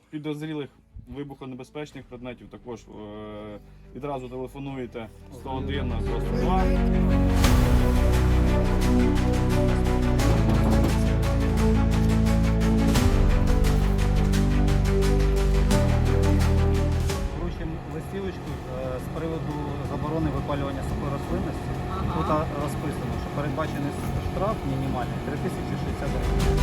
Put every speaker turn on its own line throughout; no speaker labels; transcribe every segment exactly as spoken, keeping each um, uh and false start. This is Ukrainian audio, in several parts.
підозрілих вибухонебезпечних предметів також е, відразу телефонуєте сто один на сто два.
Вручимо листівочку е, з приводу заборони випалювання сухої рослинності.
Ага.
Тут а, розписано, що передбачений штраф мінімальний три тисячі шістдесят гривень.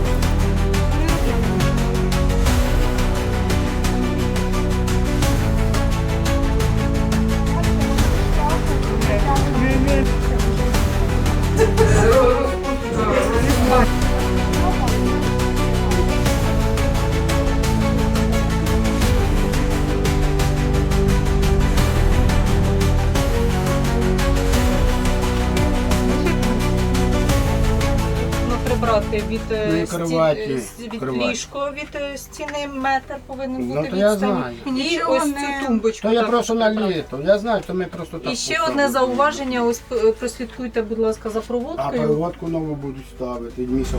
Прибрати від,
Ну, і
сті-
кроваті,
з- від
кроваті.
ліжко, від е, стіни метр повинен
Ну,
бути
то я
відстань.
знаю.
І
Нічого
ось
не-
цю тумбочку.
То я
так
просто на
прибрати.
літо. Я знаю, то ми просто так.
І ще
поставили.
одне зауваження, ось е, прослідкуйте, будь ласка, за
А
проводкою.
проводку нову будуть ставити, Міша.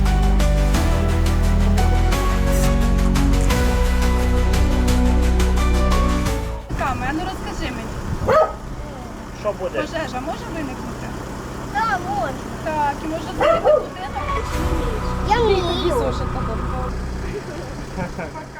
Каме, а ну розкажи мені.
Що буде?
Пожежа може виникнути?
Так, можна.
Так, і може згоріти будинок?
Я вмію.
Зошита.